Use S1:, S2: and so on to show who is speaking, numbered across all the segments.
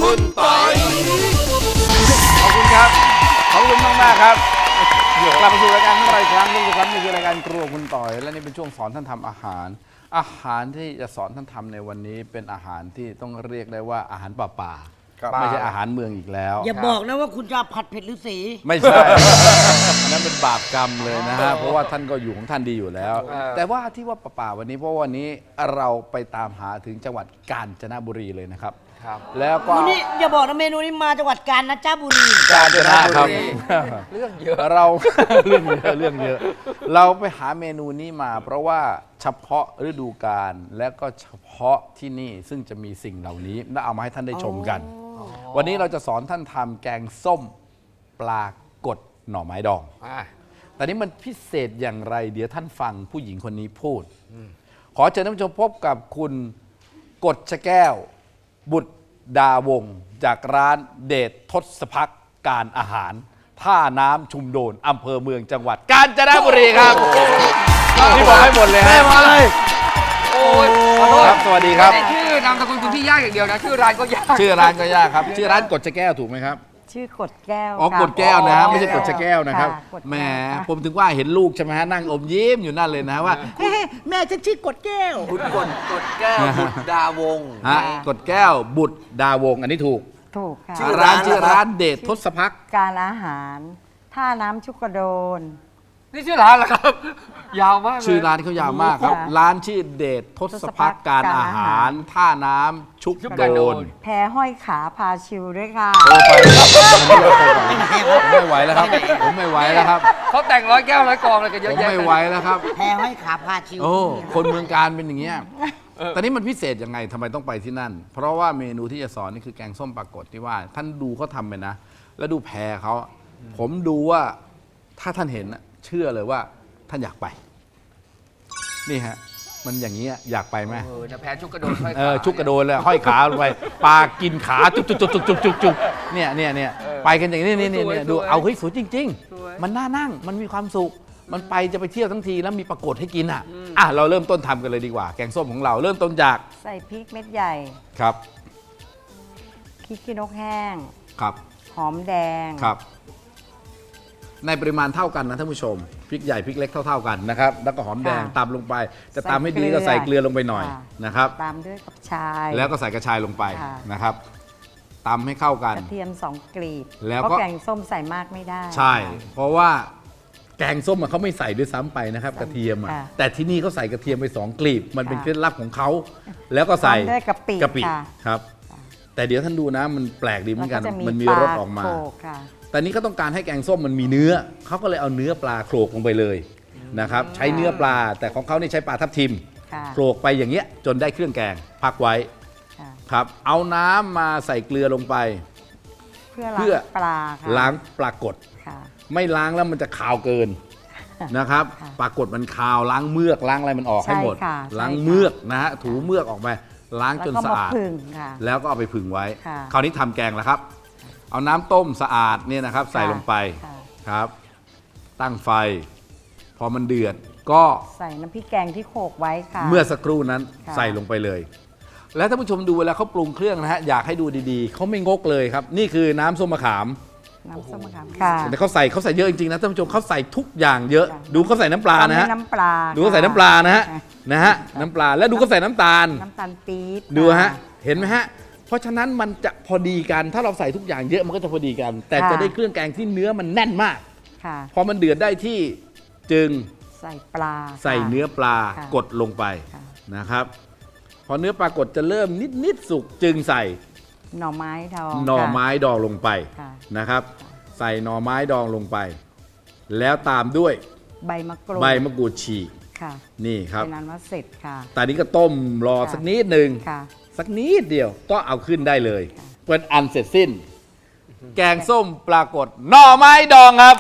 S1: คุณปอย
S2: ขอบคุณครับขอบคุณมากๆครับกลับมาสู่รายการของเราอีกครั้งนึงครับนี่คือรายการครัวคุณต่อยและนี่เป็นช่วงสอนท่านทำอาหารที่จะสอนท่านทำในวันนี้เป็นอาหารที่ต้องเรียกได้ว่าอาหารป่าไม่ใช่อาหารเมืองอีกแล้ว
S3: อย่าบอกนะว่าคุณจะผัดเผ็ดฤาษี
S2: ไม่ใช่ อันนั้นเป็นบาปกรรมเลยนะฮะเพราะว่าท่านก็อยู่ของท่านดีอยู่แล้ว แต่ว่าที่ว่าป่าวันนี้เพราะวันนี้เราไปตามหาถึงจังหวัดกาญจนบุรีเลยนะครับแล้วก็
S3: คุณนี่อย่าบอกนะเมนูนี้มาจังหวัดกาญจนบุรี
S2: กาญจนบุรี
S1: เรื่องเยอะ
S2: เรา เรื่องเยอะเราไปหาเมนูนี้มา เพราะว่าเฉพาะฤดูกาลและก็เฉพาะที่นี่ซึ่งจะมีสิ่งเหล่านี้และเอามาให้ท่านได้ชมกัน วันนี้เราจะสอนท่านทำแกงส้มปลากดหน่อไม้ดองแต่นี้มันพิเศษอย่างไรเดี๋ยวท่านฟังผู้หญิงคนนี้พูดขอเชิญท่านผู้ชมพบกับคุณกฎชแก้ว บุตรดาวงศ์จากร้านเดชทศพักการอาหารท่าน้ำชุมโดนอำเภอเมืองจังหวัดกาญจนบุรีครับที่บอกให้หมดเลยฮะมาเลย
S1: โอ้ยขอโทษ
S2: ครับสวัสดีครับ
S1: ไม่ได้ชื่อนามสกุลคุณพี่ยากอย่างเดียวนะชื่อร้านก็ยาก
S2: ชื่อร้านก็ยากครับชื่อร้านกฎชแก้วถูกไหมครับ
S4: ชื่อกดแก้ว
S2: อ๋อ
S4: ค่ะ
S2: กดแก้วนะไม่ใช่กดชะแก้วนะครับ
S4: กดแก้ว
S2: แหมผมถึงว่าเห็นลูกใช่ไหมฮะนั่งอมยิ้มอยู่นั่นเลยนะว่าแม่ฉันชื่อกดแก้ว
S1: คุณกดแก้วบุตรดาวงศ์
S2: ฮะกดแก้วบุตรดาวงศ์อันนี้ถูก
S4: ถูกค่ะ
S1: ชื่อ
S2: ร้านชื่อร้านเดชทศพัก
S4: การอาหาร ท่าน้ำชุกกระโดน
S1: นี่ชื่อร้านเหรอครับ ยาวมากเลย
S2: ชื่อร้านเขายาวมากครับ
S4: ค่ะ
S2: ร้านชื่อเดชทศพักการอาหารท่าน้ำชุกโดน
S4: แพห้อยขาพาชิวด้วยค่ะ
S2: โตไปผมไม่ไหวแล้วครับผมไม่ไหวแล้วครับ
S1: เขาแต่งร้อยแก้วร้อยกองอะไรกันเย
S2: ผ
S1: อะ
S2: ม
S1: แยะ
S2: ไม่ไหวแล้วครับ
S3: แพห้อยขาพาชิว
S2: โอ้คนเมืองการเป็นอย่างเงี้ยแต่นี่มันพิเศษยังไงทำไมต้องไปที่นั่น เพราะว่าเมนูที่จะสอนนี่คือแกงส้มปลากดที่ว่า ท่านดูเขาทำไปนะ แล้วดูแพรเขาผมดูว่าถ้าท่านเห็นน่ะเชื่อเลยว่าท่านอยากไป นี่ฮะ มันอย่างนี้ยอยากไปไหม
S1: จะแพ้ชุกกระโดดห้อยขา
S2: ชุกกระโดนเลยห้อยขาลงไปปลากินขาจุกจุกจุกจุกจุกจุกจุกเนี่ยไปกันอย่างนี้นี่ดูเอาเฮ้ยสวยจริง ๆ มันน่านั่งมันมีความสุข มันไปจะไปเที่ยวทั้งทีแล้วมีปรากฏให้กินอ่ะเราเริ่มต้นทำกันเลยดีกว่า แกงส้มของเราเริ่มต้นจาก
S4: ใส่พริกเม็ดใหญ่
S2: ครับ
S4: พริกขี้นกแห้ง
S2: ครับ
S4: หอมแดง
S2: ครับ ในปริมาณเท่ากันนะท่านผู้ชมพริกใหญ่พริกเล็กเท่าๆกันนะครับแล้วก็หอมแดง
S4: ค่ะ
S2: ตำลงไปจะ
S4: ใส่
S2: ตำให้ดี
S4: เกลือ
S2: ก็ใส่เกลือลงไปหน่อย
S4: ค่ะ
S2: นะครับ
S4: ตามด้วยกับชาย
S2: แล้วก็ใส่กระชายลงไป
S4: ค่ะ
S2: นะครับตำให้เข้ากัน
S4: กระเทียม2 กลีบ
S2: แล้วก็
S4: เพราะแกงส้มใส่มากไม่ได้
S2: ใช่ เพราะว่าแกงส้มเขาไม่ใส่ด้วยซ้ำไปนะครับ กระเทียมแต่ที่นี่เขาใส่กระเทียมไป2 กลีบ มันเป็นเคล็ดลับของเขาแล้วก็ใส่
S4: ตามด้วยกะปิค่ะ
S2: ครับ แต่เดี๋ยวท่านดูนะมันแปลกดีเหมือนกัน
S4: แล้วจะ
S2: มันมีรสออกมา
S4: ปลโขลกค่ะ
S2: แต่นี้ก็ต้องการให้แกงส้มมันมีเนื้อเขาก็เลยเอาเนื้อปลาโขลกลงไปเลยนะครับใช้เนื้อปลาแต่ของเขานี่ใช้ปลาทับทิม
S4: ค่ะ
S2: โขลกไปอย่างเงี้ยจนได้เครื่องแกงพักไว้
S4: ค่ะ
S2: ครับเอาน้ำมาใส่เกลือลงไป
S4: เพื่อ
S2: เพื่อ
S4: ล้างปลาค่ะ
S2: ล้างปลากด
S4: ค่ะ
S2: ไม่ล้างแล้วมันจะคาวเกินนะครับ
S4: ค่ะ
S2: ปลากดมันคาวล้างเมือกล้างอะไรมันออกให้หมด
S4: ใช่ค่ะ
S2: ล้าง
S4: ใช่ค่ะ
S2: เมือกนะฮะถูเมือกออกไปล้างจน
S4: แล้วก็
S2: สะ
S4: มา
S2: อาด
S4: ผึ่งค่ะ
S2: แล้วก็เอาไปผึ่งไว้
S4: ค่ะ
S2: คราวนี้ทำแกงแล้วครับ เอาน้ำต้มสะอาดเนี่ยนะครับ ใส่ลงไป
S4: ค่ะ
S2: ครับ ตั้งไฟ พอมันเดือดก็
S4: ใส่น้ำพริกแกงที่โขลกไว้ค่ะ
S2: เมื่อสักครู่นั้น
S4: ค่ะ
S2: ใส่ลงไปเลย แล้วท่านผู้ชมดูเวลาเขาปรุงเครื่องนะฮะอยากให้ดูดีๆเขาไม่งกเลยครับ นี่คือน้ำส้มมะขาม
S4: น้ำส้มมะขามค่ะ
S2: แต่เขาใส่เยอะจริงๆนะท่านผู้ชมเขาใส่ทุกอย่างเยอะ
S4: ค่ะ
S2: ดูเขาใส่น้ำปลานะฮะ
S4: ตมด้วยน้ำปลา
S2: ดูเขาใส่น้ำปลานะฮะ
S4: ค่
S2: นะฮะน้ำปลาแล้วดูเขาใส่น้ำตาล
S4: น้ำตาลปี๊บ
S2: ดูฮะ
S4: ค่
S2: เห็นไหมฮะเพราะฉะนั้นมันจะพอดีกันถ้าเราใส่ทุกอย่างเยอะมันก็จะพอดีกัน แต่
S4: ค่ะ
S2: จะได้เครื่องแกงที่เนื้อมันแน่นมาก
S4: ค่ะ
S2: พอมันเดือดได้ที่จึง
S4: ใส่ปลา
S2: ใส่
S4: ค่ะ
S2: เนื้อปลา
S4: ค่ะ
S2: กดลงไป
S4: ค่ะ
S2: นะครับ พอเนื้อปลากดจะเริ่มนิดสุกจึงใส่
S4: หน่อไม้ดอง
S2: หน่อ
S4: ค่ะ
S2: ไม้ดองลงไป
S4: ค่ะ
S2: นะครับ ใส่หน่อไม้ดองลงไป แล้วตามด้วย
S4: ใบมะกรูด
S2: ใบมะกรูดฉีก
S4: ค่ะ
S2: นี่ครับ
S4: เป็นนั้นว่าเสร็จค่ะ
S2: ตอนนี้ก็ต้มรอ
S4: ค่ะ
S2: สักนิดหนึ่ง
S4: ค่ะ
S2: สักนิดเดียวก็เอาขึ้นได้เลย
S4: ค่ะ
S2: เป็นอันเสร็จสิ้น แกงส้มปลากดหน่อไม้ดองครับ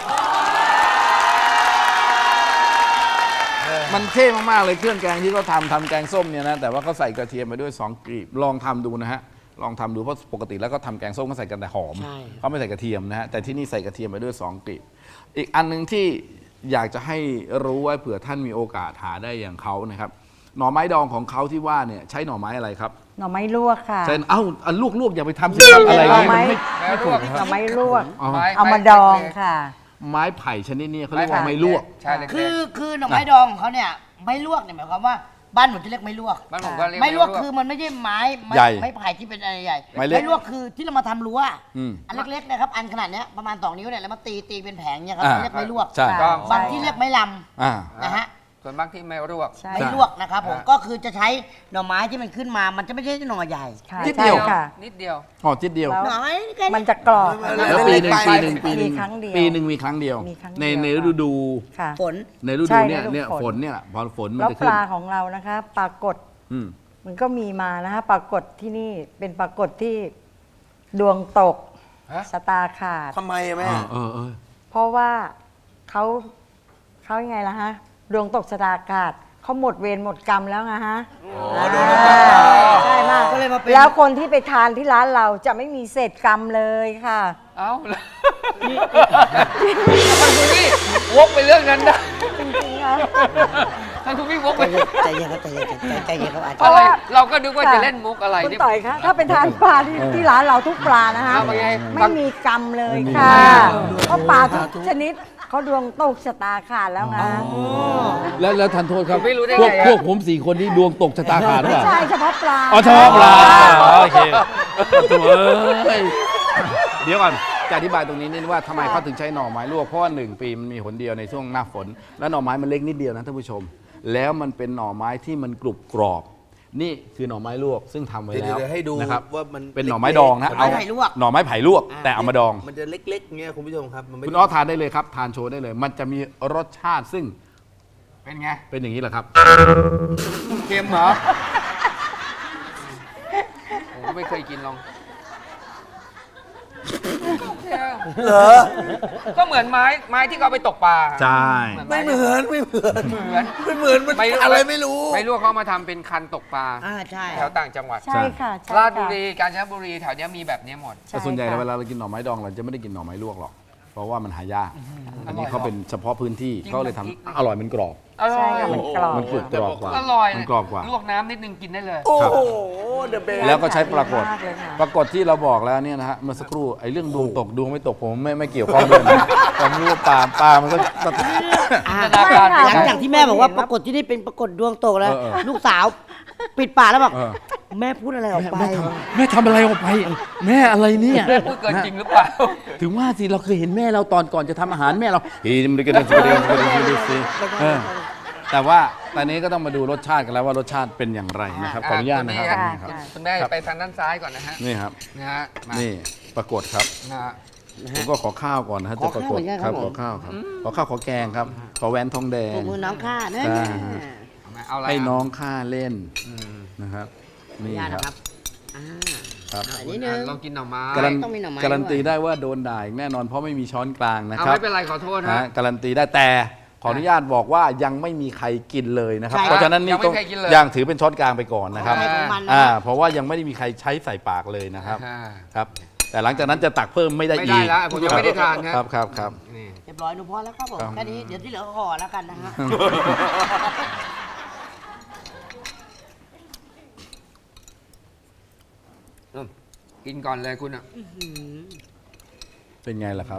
S2: มันเท่มากๆเลยเครื่องแกงที่เขาทำแกงส้มเนี่ยนะแต่ว่าเขาใส่กระเทียมไปด้วย2 กลีบลองทำดูนะฮะลองทำดูเพราะปกติแล้วก็ทำแกงส้มก็ใส่กันแต่หอม
S3: ใช่
S2: เขาไม่ใส่กระเทียมนะฮะแต่ที่นี่ใส่กระเทียมไปด้วย2 กลีบอีกอันหนึงที่อยากจะให้รู้ไว้เผื่อท่านมีโอกาสหาได้อย่างเขานะครับหน่อไม้ดองของเขาที่ว่าเนี่ยใช้หน่อไม้อะไรครับ
S4: หน่อไม้ลวกค่ะ
S2: ใช่เอ้าอันลวกอย่าไปทำสิครับอะไรอย่างนี้มันไม่ถูกนะค
S4: หน่
S2: รั
S4: อบ ไม้ลวก
S2: อ๋อ
S4: เอามาดองค่ะ
S2: ไม้ไผ่ชนิดนี้เขาเรียกว่าไม้ลวก
S1: ใช่เล็กๆ
S3: คือหน่อไม้ดองของเขาเนี่ยไม่ลวกเนี่ยหมายความว่าบ้านผมจะเรียกไม่ลวก
S1: บ้านผมก็เรียก
S3: ไม่ลวกคือมันไม่ใช่ไม้
S2: ใหญ่
S3: ไม้ไผ่ที่เป็นอะไรใหญ่
S2: ไม้เล็ก
S3: ไม่ลวกคือที่เรามาทำรั้ว
S2: อืม
S3: อันเล็กๆนะครับอันขนาดเนี้ยประมาณ2 นิ้วเนี่ยแล้วมาตีเป็นแผงเนี่ยครับ
S2: อ่า
S3: เรียกไม่ลวก
S2: ใช่
S4: ค่ะ
S3: บางที่เรียกไม่ล
S2: อ่า
S3: ำนะฮะ
S1: ส่วนมากที่ไม่ลวก
S4: ใช่
S3: ไม่ลวกนะครับผมก็คือจะใช้หน่อไม้ที่มันขึ้นมามันจะไม่ใช่หน่อใหญ่
S4: ค่ะ
S2: นิดเดียว
S4: ใช่ค่ะ
S1: นิดเดียว
S2: ห่อจิตเดียว
S4: แล้ว
S3: หน่อไม้แค่
S4: มัน
S3: นี้
S4: จะกรอบ
S2: แล้วปีหนึ่ง
S4: มีครั้งเดียว
S2: ปีหนึ่งมีครั้งเดียว
S4: มีครั้งเดียว
S2: ใน
S4: ค่ะ
S2: ฤดู
S4: ค่ะ
S3: ฝน
S2: ในฤ
S4: ใช่
S2: ดูเนี่ย
S4: ฤดู
S2: เนี่ย
S4: ฝน
S2: ฝนเนี่ยพอฝนมัน
S4: แล้ว
S2: จะ
S4: ป
S2: ขึ้น
S4: ลาของเรานะคะปลากด
S2: อืม
S4: มันก็มีมานะคะปลากดที่นี่เป็นปลากดที่ดวงตก
S1: ฮะ
S4: ชะตาขาด
S5: ทำไมอะแม่
S2: เออ
S4: เพราะว่าเขายังไงล่ะฮะดวงตกชะตาขาดเขาหมดเวรหมดกรรมแล้วไงฮะใช่มาก
S3: ก็เลยมาเป็น
S4: แล้วคนที่ไปทานที่ร้านเราจะไม่มีเศษกรรมเลยค่ะ
S1: เอ้าท่านคุณพี่วกไปเรื่องนั้นได้
S4: จริงๆค่ะ
S1: ท่านคุณพี่วกไป
S3: ใจเย็นครับใจเย็นครับอาจ
S1: อะ
S3: ารย์
S1: ไรเราก็นึกว่าจะเล่นมุกอะไร
S4: คุณ
S1: นี่
S4: ต่อยคะถ้าเป็นทานปลาที่ร้านเราทุกปลานะคะ
S1: เอาไปไง
S4: ไม่มีกรรมเลยค่ะเพราะปลาทุกชนิดเขาดวงตกชะตาขาดแล้วไง
S2: แล้วทันโทษครับ
S1: ผมไม่รู้ได้
S2: พวก
S1: ไงอะ
S2: พวกผม4 คนนี่ดวงตกชะตาขาดหรือเป
S4: ไม่
S2: ล่า
S4: ใช่เฉพาะปลา
S2: อ๋อเฉพาะปลาโอเคโถ่เอ้ยเดี๋ยวก่อนจะอธิบายตรงนี้นิดว่าทำไมเขาถึงใช้หน่อไม้ลวกเพราะว่า1 ปีมันมีหนเดียวในช่วงหน้าฝน แล้วหน่อไม้มันเล็กนิดเดียวนะท่านผู้ชม แล้วมันเป็นหน่อไม้ที่มันกรุบกรอบ นี่คือหน่อไม้ลวกซึ่งทำไว้แล้ว
S5: เดี๋ยวให้ดู
S2: นะครับ
S5: ว่ามัน
S2: เป็นหน่อไม้ดองนะ
S3: หน่อไม้ไผ่ลวก
S2: หน่อไม้ไผ่ลวก แต่เอามาดอง
S5: มันจะเล็กๆเงี้ยคุณผู้ชมครับมันไม่
S2: คุณอ้อทานได้เลยครับ ทานโชว์ได้เลย มันจะมีรสชาติซึ่ง
S1: เป็นไง
S2: เป็นอย่างนี้แหละครับ
S1: เค็มเหรอผมก็ไม่เคยกินลอง
S5: เหรอ
S1: ก็เหมือนไม้ที่เขาเอาไปตกปลา
S2: ใช่
S5: ไม่เหมือนไม่เหมือน
S1: เหมือน
S5: ไม่เหมือนมันอะไรไม่รู้
S1: ไม่รู้เขามาทำเป็นคันตกปลา
S3: ใช่
S1: แถวต่างจังหวัด
S4: ใช่ค่ะใช่
S1: ราชบุ
S4: ค่ะ
S1: รีกาญจนบุรีแถวเนี้ยมีแบบเนี้ยหมด
S2: แต่ส่วนใหญ่
S4: ค่ะ
S2: เวลาเรากินหน่อไม้ดองเราจะไม่ได้กินหน่อไม้ลวกหรอก เพราะว่ามันหายาก อันนี้เขาเป็นเฉพาะพื้นที่
S1: จริง
S2: เขาเลยทำ
S1: มันพริก
S2: อร่อยมันกรอบ
S1: อร่อย
S4: ใช่ค่ะมันกรอบ
S2: มันกรุบกรอบกว่า
S1: อร่อย
S2: มันกรอบกว่า
S1: ลวกน้ำนิดนึงกินได้เลย
S5: โอ้โหเดอะเบส
S2: แล้วก็ใช้ปรากฏ
S4: มากเลยค่ะ
S2: ปรากฏที่เราบอกแล้วเนี่ยนะฮะเมื่อสักครู่ไอ้เรื่องดวงตกดวงไม่ตกผมไม่เกี่ยวข้องด้วยนะผมรู้ว่าปลามันก็
S1: จินตนาการ
S3: หลังจากที่แม่บอกว่าปรากฏที่นี่เป็นปรากฏดวงตกแล้ว
S2: เออ
S3: ลูกสาวปิดปากแล้วบอก
S2: เออ
S3: แม่พูดอะไรออกไป
S2: แม่ทำอะไรออกไป แม่อะไรเนี่ย
S1: พูดเกินจริงหรือเปล่า
S2: ถึงว่าสิเราเคยเห็นแม่เราตอนก่อนจะทำอาหารแม่เราเฮ้ยมันก็ได้แต่ว่าตอนนี้ก็ต้องมาดูรสชาติกันแล้วว่ารสชาติเป็นอย่างไรนะครับขออนุญาตนะครับ
S4: ค่ะ
S2: นี่ครับ
S1: คุณแม่ไปทางด้านซ้ายก่อนนะฮะ
S2: นี่ครับ
S1: นะฮะมา
S2: นี่ปรากฏครับ
S1: นะฮะ
S2: ผมก็ขอข้าวก่อนนะฮะ
S3: ขอ
S2: จะป
S3: ข้าว
S2: รากฏ
S3: เหมือนกัน
S2: ค
S3: ครั
S2: รับบ
S3: ผม
S2: ขอข้าวครับขอข้าวขอแกงครับ ขอแหวนทองแด
S3: ปร
S2: ง
S3: บมือน้องข้าเนี่ย
S2: อ่า
S1: เอามาเอาอะไร
S2: ให้
S1: อ่ะ
S2: น้องข้าเล่นนะครับ นี่
S3: ญาติ
S2: ค
S3: นะค
S2: รั
S3: รั
S2: บบ
S3: อ่า
S2: ครับ
S3: อันนี้นึง
S1: ลองกินหน่อไม้
S2: การัน
S3: ต้องมีหน่อไม้
S2: การันตี
S3: ด้วย
S2: ได้ว่าโดนด่าอีกแน่นอนเพราะไม่มีช้อนกลางนะ
S1: เอา
S2: ครับ
S1: ไม่เป็นไรขอโทษ
S2: นะ
S1: ฮะ
S2: ฮะการันตีได้แต่ขออนุญาตบอกว่ายังไม่มีใครกินเลยนะครับ
S3: ใช่
S2: เพราะฉะนั้นนี่
S1: ยังไม่
S2: ต้อง
S1: มีใครกินเลย
S2: ยังถือเป็นช้อนกลางไปก่อนนะครับ
S3: ใครของมันนะ
S2: เพราะว่ายังไม่ได้มีใครใช้ใส่ปากเลยนะครับ
S1: อ่า
S2: ครับ แต่หลังจากนั้นจะตักเพิ่มไม่ได้
S1: ไม่
S2: อี
S1: ได้
S2: ก
S1: แล้วผมยังไม่ได้ทานครับ
S2: ครับ
S1: นี่
S3: เรียบร้อยหนูพอแล้วครับผม
S2: ครับ
S3: แค่นี้เดี๋ยวที่เหลือก็ห่อแล้วกันนะฮะ
S1: กินก่อนเลยคุณอ่ะ
S2: เป็นไงล่ะครับ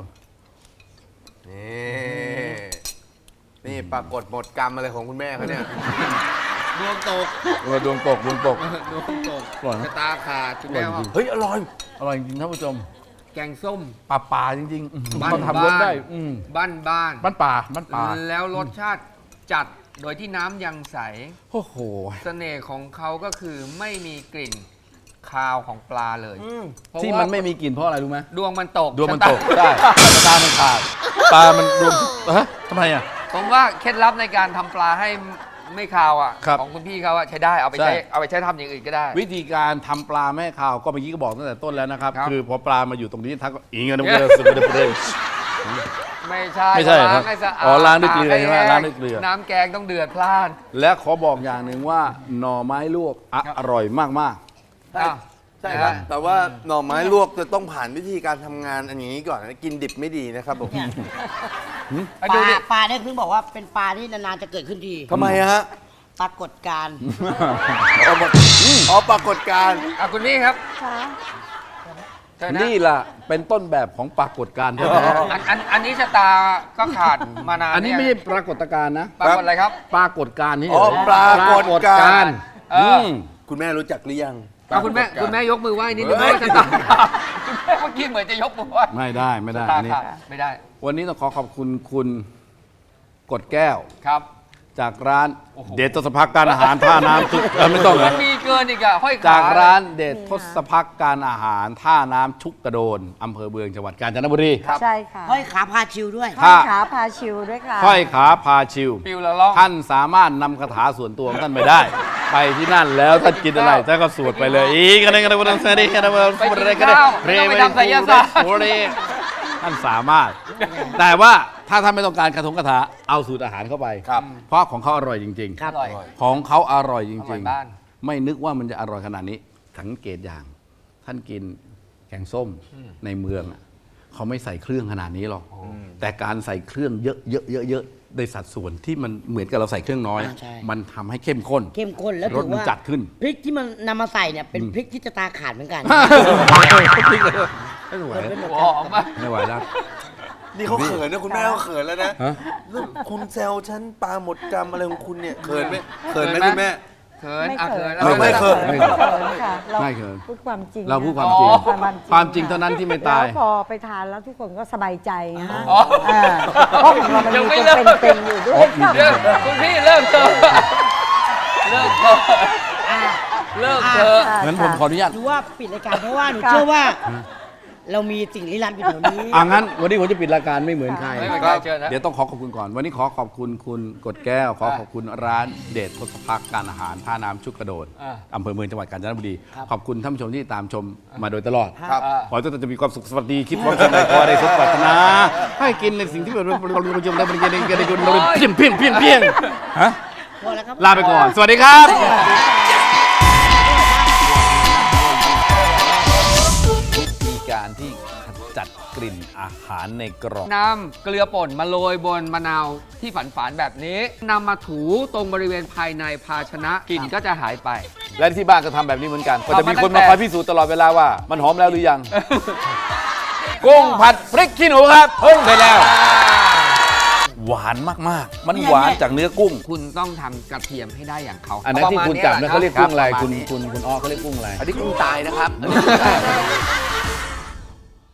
S5: นี่ปรากฏหมดกรรมอะไรของคุณแม่เขาเนี่ย
S1: ดวงตก
S2: ดวงตก
S1: ดวงตก
S2: อร่อยนะ
S1: ชะตาขาดคุณแม่ว่า
S5: เฮ้ยอร่อย
S2: อร่อยจริงๆท่านผู้ชม
S1: แกงส้ม
S2: ป่าจริงๆ
S1: บ้าน
S2: เขาทำรสได้
S1: บ้านบ้าน
S2: บ้านป่า
S1: แล้วรสชาติจัดโดยที่น้ำยังใส
S2: โอ้โห
S1: เสน่ห์ของเขาก็คือไม่มีกลิ่นคาวของปลาเลยเพราะ
S2: ที่
S1: ว่า
S2: มันไม่มีกลิ่นเพราะอะไรรู้ไหม
S1: ดวงมันตก
S2: ดวงมัน
S1: ชะา
S2: ตกได้ตามันขาดปลามันดวงฮะทำไมอ่ะ
S1: ผมว่าเคล็ดลับในการทำปลาให้ไม่คาวอ่ะ
S2: ครับ
S1: ของคุณพี่เขาอะใช้ได้เอาไป
S2: ใช่
S1: ใช้ทำอย่างอื่นก็ได้
S2: วิธีการทำปลาแม่ข่าวก็เมื่อกี้ก็บอกตั้งแต่ต้นแล้วนะครับ
S1: ครับ
S2: คือพอปลามาอยู่ตรงนี้ทักก็อิงกันนะเสุดเลย
S1: ไม่ใช่
S2: ไม่ใช่
S1: ล้า
S2: ครั
S1: ง
S2: บ
S1: ให้สะอาด
S2: อ๋อล้างด้วยเกลือใช่ไหม
S1: ตก
S2: ล้างด้วยเกลือ
S1: น้ำแกงต้องเดือดพล่าน
S2: และขอบอกอย่างหนึ่งว่าหน่อไม้ลวกอร่อยมาก
S1: อ้าว
S5: ใช่ครับแต่ว่าหน่อไม้ลวกจะต้องผ่านวิธีการทำงานอันนี้ก่อนนะกินดิบไม่ดีนะครับผม
S1: ไป
S3: ป
S1: ดู
S3: ลา
S1: ดิ
S3: ปลาเนี่ยเพิ่งบอกว่าเป็นปลาที่นานๆจะเกิดขึ้นที
S5: ทำไมฮะ
S3: ปรากฏการณ์
S5: อ๋อปรากฏการณ์
S1: คุณพี่ครับ
S4: ค่ะ
S1: เชิญนะ
S2: นี่ล่ะเป็นต้นแบบของปรากฏการณ์แท้
S1: อันนี้ชะตาก็ขาดมานาน
S2: ๆอันนี้ไม่ใช่ปรากฏการณ์นะ
S1: ปรากฏอะไรครับ
S2: ปรากฏการณ์นี่
S5: อ๋อปรากฏการณ์
S1: เอออื
S2: ม
S5: คุณแม่รู้จักหรือยัง
S1: คุณแม่ยกมือไหว้นิดนึงว่าชะตาขาดคุณแม่เมื่อกี้เหมือนจะยกมือไหว้
S2: ไม่ได้ไม่ได้
S1: ชะตา
S2: อันนี้
S1: ขาดไม่ได้
S2: วันนี้ต้องขอขอบคุณคุณกดแก้ว
S1: ครับ
S2: จากร้านเดชทศพักการอาหารท่าน้ำจุกไม่ต้องเหร
S1: มั
S2: อน
S1: มีเกินอีกอะห้อยขา
S2: จากร้านเดชทศพักการอาหารท่าน้ำชุกกระโดนอำเภอเมืองจังหวัดกาญจนบุรี
S4: ใช่ค่ะ
S3: ห้อยขาพาชิวด้วย
S4: ห้อยขาพาชิวด้วยค่ะ
S2: ค่อยขาพาชิว
S1: ปิวละล่อง
S2: ท่านสามารถนำคาถาส่วนตัวของท่านไปได้ ไปที่นั่นแล้วท่านกินอะไรท่านก็สวดไปเลยอีกอะไรกันอะไรกันอะไรกันอะไรกันท่านสามารถ แต่ว่าถ้าท่านไม่ต้องการคาถาเอาสูตรอาหารเข้าไป
S5: ครับ
S2: เพราะของเขาอร่อยจริง
S3: ครับ
S1: อร่อย
S2: ๆ ของเขาอร่อยจ
S1: อร่
S2: ริ
S1: อย
S2: ง
S1: บ้าน
S2: ๆ ไม่นึกว่ามันจะอร่อยขนาดนี้สังเกตอย่าง ท่านกินแกงส้มในเมืองอะเขาไม่ใส่เครื่องขนาดนี้หรอกแต่การใส่เครื่องเยอะๆในสัดส่วนที่มันเหมือนกับเราใส่เครื่องน้อย
S3: ใช่
S2: มันทำให้เข้มข้น
S3: เข้มข้นแล้ว
S2: ร
S3: ถื
S2: ส
S3: อ
S2: มัน
S3: ว่า
S2: จัดขึ้น
S3: พริกที่มันนำมาใส่เนี่ยเป็นพริกที่จะตาขาดเหมือนกัน
S2: ไม่ไหว
S1: หอมมาก
S2: ไม่ไหวแล้ว
S5: นี่เขาเขินนะคุณแม่เขาเขินแล้วนะ
S2: ฮะ
S5: แล้วคุณแซวฉันปลาหมดกรรมอะไรของคุณเนี่ยเขินไหม
S1: เขิ
S5: เขิน
S1: น
S5: ไหม
S1: ไหม
S5: คุณแม่
S1: เขิน
S4: ไม่
S1: อ่ะ
S4: เขิ
S1: เขิ
S4: น
S1: น
S5: ไม่เขิน
S4: ไม่เขินค่ะเรา
S2: ไม่เขิน
S4: พูดความจริง
S2: เราพูด
S4: นะ
S2: ความจริง
S1: อ๋อ
S2: ความจริงเท่านั้นที่ไม่ตาย
S4: แล้วพอไปทานแล้วทุกคนก็สบายใจนะฮะ
S1: อ๋อ
S4: เพราะของเรามัน
S1: ยัง
S4: มี
S1: ไม่
S4: ตัว
S1: เลิก
S4: เป็นๆอยู่ด้วยค่ะ
S1: เลิกคุณพี่เลิกเถอะเลิกเถอะเลิกเถอะ
S2: งั้นผมขออนุญาต
S3: หนูว่าปิดรายการเพราะว่าหนูเชื่อว่า เรามีสิ่งลี้ลับอยู่แถวนี้
S2: งั้นวันนี้ผมจะปิดรายการไม่เหมือนใคร
S1: ไม่เหมือนใครเชิญนะ
S2: เดี๋ยวต้องขอบคุณก่อน วันนี้ขอขอบคุณคุณกดแก้ว ขอขอบคุณร้านเดชทศพักการอาหารท่าน้ำชุกกระโดด
S1: อ่า
S2: อำเภอเมืองจังหวัดกาญจนบุรี
S3: ครับ
S2: ขอบคุณท่านผู้ชมที่ตามชมมาโดยตลอด
S5: ครับ
S2: ขอให้ทุกท่านจะมีความสุขสวัสดีคิดว่าสิ่งใดขอให้ได้สมปรารถนาให้กินในสิ่งที่เราชมได้บริการได้กุลเพียงฮะ
S3: พอแล้วครับ
S2: ลาไปก่อน สวัสดีครับ วิธีการที่ขจัดกลิ่นอาหารในกล่อง
S1: นำเกลือป่นมาโรยบนมะนาวที่ฝานๆแบบนี้นำมาถูตรงบริเวณภายในภาชนะกลิ่นก็จะหายไป
S2: และที่บ้านก็ทำแบบนี้เหมือนกัน ก็จะมีคน
S1: ทำมาตั้
S2: มาง
S1: แต่
S2: คอยพิสูจน์ตลอดเวลาว่ามันหอมแล้วหรือยัง กุ้งผัดพริกขี้หนูครับเพิ่งไปแล้ว หวานมากๆ มันหวานจากเนื้อกุ้ง
S1: คุณต้องทำกระเทียมให้ได้อย่างเขา
S2: อันนั้นที่คุณจับเนี่ยเขาเรียกกุ้งอะไร
S1: ปะมาณ
S2: คุณอ้อเขาเรียกกุ้งอะไร
S5: อันนี้กุ้งตายนะครับ